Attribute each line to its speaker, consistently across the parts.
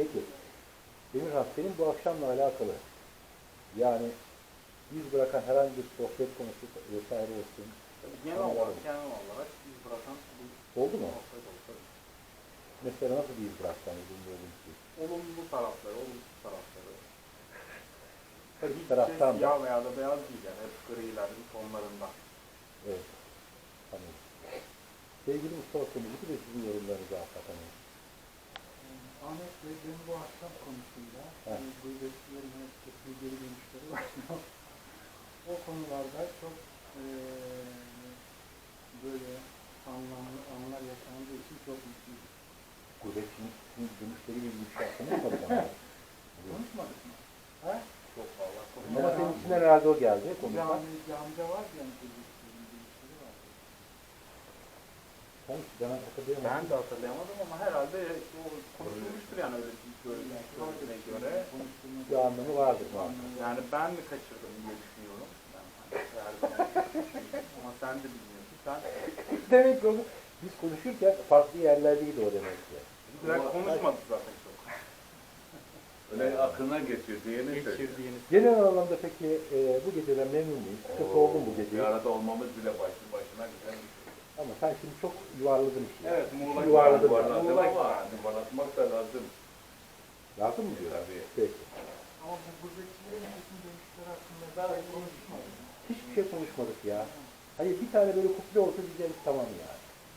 Speaker 1: Peki, Emirhan senin bu akşamla alakalı yani biz bırakan herhangi bir sohbet konusu vesaire olsun.
Speaker 2: Genel olarak biz bırakan
Speaker 1: Oldu mu?
Speaker 2: sohbet olsa
Speaker 1: Mesela nasıl bir iz bıraksan bilmiyorum ki.
Speaker 2: olumlu tarafları, olumsuz tarafları.
Speaker 1: Her iki
Speaker 2: Hiç
Speaker 1: taraftan da.
Speaker 2: siyah veya da beyaz değil yani. Hep grilerin tonlarında.
Speaker 1: Evet. Tamam. Sevgili Mustafa Kömürcü de sizin yorumlarınızı alsak hani.
Speaker 3: Ahmet Bey benim bu akşam konusunda gurbetçilerin hepsi geri dönüşleri var. O konularda çok böyle anlamlı anlar yaşandığı için çok mutluyum.
Speaker 1: Gurbetçinin dönüşleriyle ilgili bir şey konuşmadık ama.
Speaker 3: Konuşmadık mı? Ha?
Speaker 2: Çok fazla
Speaker 1: Ama
Speaker 2: konuşuyor.
Speaker 1: senin içinden herhalde o geldi. Konuşmak.
Speaker 3: Camide var yani gurbetçilerin dönüşleri var.
Speaker 1: Sanki ben hatırlayamadım.
Speaker 2: Ben de hatırlayamadım ama herhalde o konuşulmuştur yani öyle söylediğine göre.
Speaker 1: Bir anlamı vardır muhakkak.
Speaker 2: Yani ben mi kaçırdım diye düşünüyorum. Ben her zaman ama sen de bilmiyorsun. Sen
Speaker 1: Demek ki onu biz konuşurken farklı yerlerdeydi o demek ki.
Speaker 2: direkt konuşmadık zaten çok.
Speaker 4: Öyle aklına geçiyor diyeni söylüyor.
Speaker 2: Geçirdiğiniz.
Speaker 1: Genel anlamda peki bu geceden memnun muyuz? Sıkıntı oldu mu bu
Speaker 4: Bir
Speaker 1: gece?
Speaker 4: arada olmamız bile başına güzel bir şey.
Speaker 1: Ama sen şimdi çok yuvarladın işi.
Speaker 2: Evet, Muğla
Speaker 1: Yuvarladın.
Speaker 4: Yuvarladım
Speaker 2: Muğla
Speaker 4: ama yuvarlatmak da lazım.
Speaker 1: Lazım mı diyor?
Speaker 4: Tabii.
Speaker 1: Peki.
Speaker 3: Ama bu gurbetçilerin bütün dönüşleri hakkında daha konuşmadık.
Speaker 1: Hiçbir şey konuşmadık ya. Hayır bir tane böyle kuple olsa diyeceğiz tamam yani.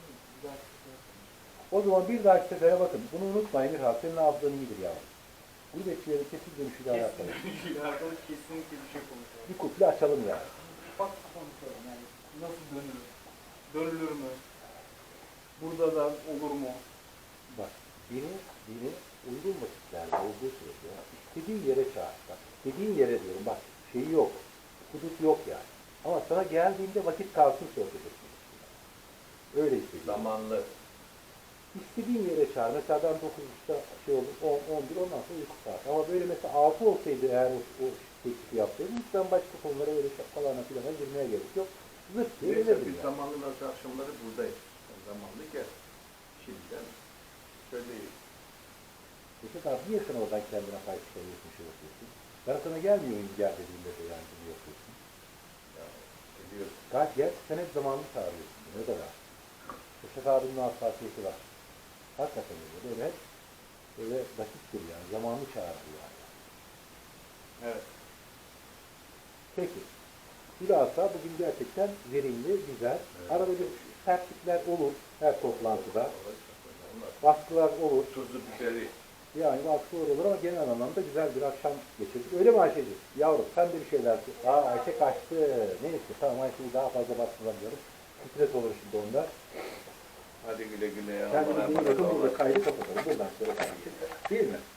Speaker 1: O zaman bir dahaki sefere bakın. Bunu unutmayın bir hafta. Senin hafızan iyidir ya. Gurbetçilerin kesin dönüşüyle alakalı.
Speaker 2: Kesinlikle alakalı kesinlikle bir şey konuşuyoruz.
Speaker 1: Bir kuple açalım yani.
Speaker 2: Bak konuşalım yani nasıl dönülür? Dönülür mü? Burada da olur mu?
Speaker 1: Bak beni uygun vakitlerde olduğu sürece istediğin yere çağır. Bak istediğin yere diyorum bak şeyi yok. Hudut yok yani. Ama sana geldiğinde vakit kalsın sohbet etmek. Öyle istediğin.
Speaker 4: Zamanlı.
Speaker 1: İstediğin yere çağır. Mesela ben 9'da şey olur, 10, 11 ondan sonra uyku saat. Ama böyle mesela 6 olsaydı eğer o teklifi yapsaydım hiç ben başka konulara böyle şapkalarına filana girmeye gerek yok. Zırt diye
Speaker 4: Neyse
Speaker 1: gelirdim
Speaker 4: biz
Speaker 1: yani.
Speaker 4: zamanlı nasıl akşamları buradayız. Zamanlı gel. Şimdiden söyleyeyim.
Speaker 1: Mesela abi niye sen oradan kendine pay çıkarıyorsun, şey yapıyorsun? Ben sana gelmiyorum gel dediğimde de yani bunu yapıyorsun.
Speaker 4: Ya, biliyorsun.
Speaker 1: Gayet gel, sen hep zamanını çağırıyorsun. Ne kadar? Reşat abinin hassasiyeti var. Hakikaten öyle. Böyle hep böyle basittir yani. Zamanını çağırıyor yani.
Speaker 2: Evet.
Speaker 1: Peki. Bilhassa bugün gerçekten verimli, güzel.
Speaker 4: Evet.
Speaker 1: Arada bir sertlikler olur her toplantıda. Baskılar olur.
Speaker 4: Tuzu biberi.
Speaker 1: Yani baskılar olur ama genel anlamda güzel bir akşam geçirdik. Öyle mi Ayşe'ciğim? Yavrum sen de bir şeyler... Ayşe kaçtı. Neyse tamam Ayşe'yi daha fazla bastırlamıyorum. Stres olur şimdi onda.
Speaker 4: Hadi güle güle ya.
Speaker 1: Kendinize iyi bakın.
Speaker 4: Allah'a
Speaker 1: Burada kaydı kapatalım. Buradan sonra kaydı. Değil mi?